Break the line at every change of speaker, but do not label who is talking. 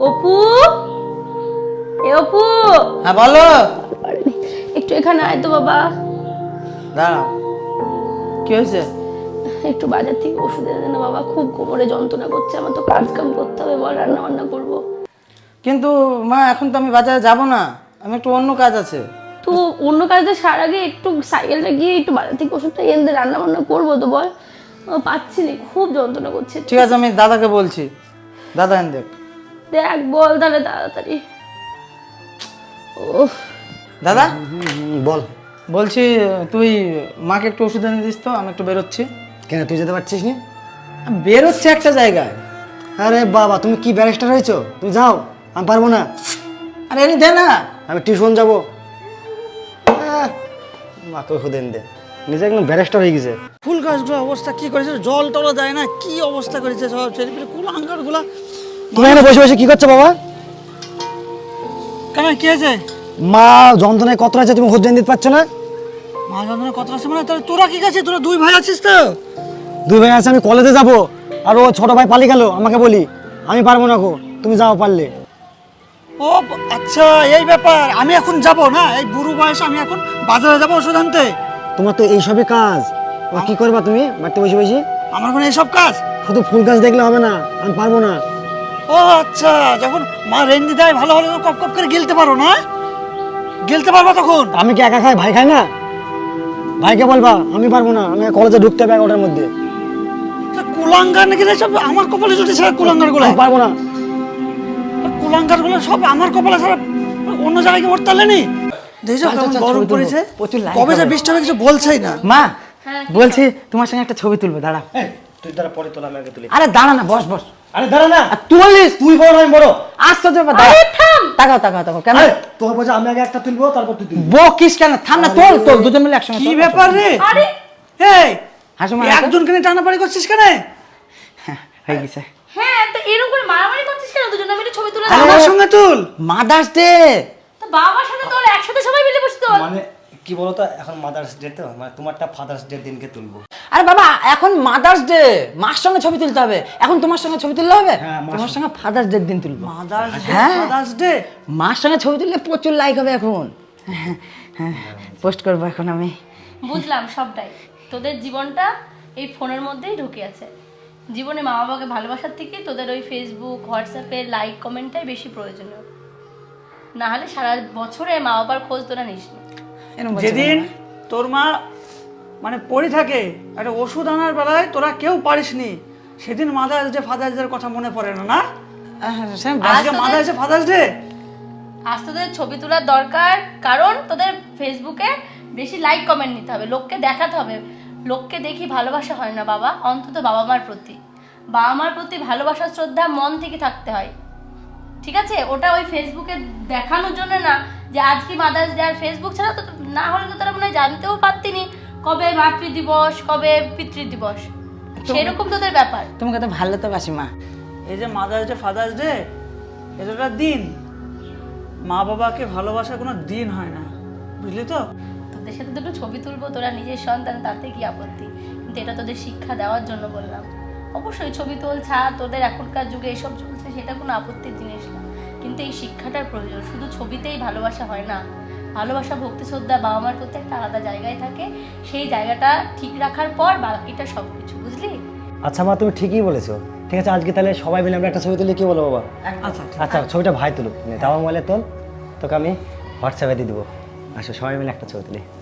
অপু, এ অপু,
হ্যাঁ বলো।
একটু এখানে আয় তো বাবা।
দাঁড়াও, কি হয়েছে?
একটু বাজার থেকে ওষুধ এনে দে না বাবা, খুব কোমরে যন্ত্রণা করছে, আমার তো কাজ কাম করতে হবে, বল রান্না বান্না করবো।
কিন্তু মা এখন তো আমি বাজারে যাব না, আমি একটু অন্য কাজ আছে।
তো অন্য কাজে সার আগে একটু সাইকেলটা গিয়ে একটু বাজার থেকে ওষুধটা এনে দে, রান্না বান্না করবো তো বল। পাচ্ছি না, খুব যন্ত্রণা করছে।
ঠিক আছে, আমি দাদাকে বলছি, দাদা এনে দেখ।
দেখ বল তাহলে তাড়াতাড়ি। ও
দাদা
বল।
বলছি, তুই মাকে একটু ওষুধ এনে দিস তো, আমি একটু বেরোচ্ছি।
কেন তুই যেতে পারছিস না?
আমি বেরোচ্ছি একটা জায়গায়।
আরে বাবা, তুমি কি ব্যারিস্টার হয়েছো? তুমি যাও, আমি পারবো না।
আরে এনে দে না।
আমি টিউশন যাবো। মাকে ওষুধ এনে দে, নিজে একদম ব্যারিস্টার হয়ে গেছে।
ফুল গাছগুলো অবস্থা কি করেছে, জল টলা দেয় না, কি অবস্থা করেছে সব ছেলেপিলে কুল আঙ্গার গুলা।
তুমি এখানে বসে বসে কি করছো বাবা?
কেন কি হয়েছে?
মা যন্ত্রণায় কত আছে, তুমি ওষুধ এনে দিতে পারছো না?
মা যন্ত্রণা কত আছে মানে? তাহলে তোরা কি আছে? তোরা দুই ভাই আছিস তো?
দুই ভাই আছে, আমি কলেজে যাবো, আর ও ছোট ভাই পালিয়ে গেল, আমাকে বলি আমি পারবো না গো, তুমি যাও পারলে।
ও আচ্ছা, এই ব্যাপার। আমি এখন যাব না, এই বুড়ো বয়সে আমি এখন বাজারে যাবো ওষুধ আনতে।
তোমার তো এইসবই কাজ, ও কি করবা তুমি বাড়িতে বসে বসে?
আমার কোনো এইসব কাজ?
শুধু ফুল গাছ দেখলে হবে না, আমি পারবো না।
ও আচ্ছা, যখন মা রেন্দি দেয় ভালো ভালো কপ কপ করে গিলতে পারো না? গিলতে পারবা তখন?
আমি কি একা খাই, ভাই খাই না? ভাইকে বলবা আমি পারবো না, আমি কলেজে ঢুকতে হবে 11টার মধ্যে।
কুলাঙ্গার নাকি রে সব আমার কপালে জুটেছে? কুলাঙ্গার গুলো,
আমি পারবো না।
কুলাঙ্গার গুলো সব আমার কপালে ছাড়া অন্য জায়গায় কি মরতে পারলেনি? দেখছো কেমন গরম পড়েছে, কবে যে বৃষ্টি হবে কিছু বলছেই না।
মা বলছি তোমার সঙ্গে একটা ছবি তুলবো, দাঁড়া।
তুই তারা পরে তোলা, আমি আগে তুলি।
আরে দাঁড়া না, বস বস।
আরে দাঁড়া না,
আর তুলিস?
তুই বড় আমি বড়।
আশ্চর্য ব্যাপার, দাঁড়া। তাকাও তাকাও তাকাও, কেন
তোর বলছে আমি আগে একটা তুলবো, তারপর তুই তুলবি।
বকিস কেন? থাম না, তোল তোল, দুজন মিলে একসঙ্গে
কি
তোল।
ব্যাপার রে?
আরে
এই
হাসো মা,
একজনকে নিয়ে টানাপাড়ি করছিস কেন?
হয়ে গেছে।
হ্যাঁ, তো এরকম করে মারামারি করছিস কেন? দুজনে মিলে ছবি তুলে
আমার সঙ্গে তুল।
Mother's Day.
তো বাবার সাথে তোর একসাথে সবাই মিলে বসে তোল।
মানে কি বলতো, এখন মাদার্স ডে তো, মানে তোমারটা ফাদার্স ডে দিনকে তুলবো।
আরে বাবা, এখন মাদার্স ডে, মার সঙ্গে ছবি তুলতে হবে। এখন তোমার সঙ্গে ছবি তুললে হবে?
হ্যাঁ, মার
তোমার সঙ্গে ফাদার্স ডে দিন তুলবো।
মাদার্স ডে,
হ্যাঁ।
Mother's Day.
মার সঙ্গে ছবি তুললে প্রচুর লাইক হবে এখন। হ্যাঁ, পোস্ট করবো এখন আমি।
বুঝলাম সবটাই, তোদের জীবনটা এই ফোনের মধ্যেই ঢুকে আছে। জীবনে মা বাবাকে ভালোবাসার থেকে তোদের ওই ফেসবুক হোয়াটসঅ্যাপে লাইক কমেন্টটাই বেশি প্রয়োজনীয়। না হলে সারা বছরে মা বাবার খোঁজ তোরা নিস না।
এরকম বলছো
যেদিন
কেন?
তোর মা মানে পড়ে থাকে একটা ওষুধ আনার বেলায় তোরা কেউ পারিসনি, সেদিন মাদার্স ডে ফাদার্স ডে কথা মনে পড়ে না? না আজকে মাদার্স ডে ফাদার্স ডে।
আজ তোদের ছবি তোলার দরকার, কারণ তোদের ফেসবুকে বেশি লাইক কমেন্ট নিতে হবে, লোককে দেখাতে হবে। লোককে দেখি ভালোবাসা হয় না বাবা, অন্তত বাবা মার প্রতি। বাবা মার প্রতি ভালোবাসা শ্রদ্ধা মন থেকে থাকতে হয়, ঠিক আছে? ওটা ওই ফেসবুকে দেখানোর জন্য না যে আজকে মাদার্স ডে। আর ফেসবুক ছাড়া তো না হলে তো তারা মনে হয় জানতেও পারতিনি কবে মাতৃ দিবস, কবে পিতৃ দিবস। সেরকম তোদের ব্যাপার।
তোমাকে তো ভালো তো বাসি মা।
এই যে মাদার্স ডে ফাদার্স ডে, এটা একটা দিন, মা বাবাকে ভালোবাসার কোনো দিন হয় না, বুঝলি তো?
তোদের সাথে দুটো ছবি তুলবো, তোরা নিজের সন্তান, তাতে কি আপত্তি? কিন্তু এটা তোদের শিক্ষা দেওয়ার জন্য বললাম। অবশ্যই ছবি তোল, ছাড়, তোদের এখনকার যুগে এসব চলছে, সেটা কোনো আপত্তির জিনিস না, কিন্তু এই শিক্ষাটার প্রয়োজন। শুধু ছবিতেই ভালোবাসা হয় না, ভালোবাসা ভক্তি শ্রদ্ধা বাবা মার প্রতি একটা আলাদা জায়গায় থাকে। সেই জায়গাটা ঠিক রাখার পর বাকিটা সব কিছু, বুঝলি?
আচ্ছা মা, তুমি ঠিকই বলেছো। ঠিক আছে, আজকে তাহলে সবাই মিলে আমরা একটা ছবি তুলি, কি বলো বাবা?
আচ্ছা
আচ্ছা, ছবিটা ভাই তুলুক, তাও মোবাইলে তোল, তোকে আমি হোয়াটসঅ্যাপে দিয়ে দেবো। আসো সবাই মিলে একটা ছবি তুলি।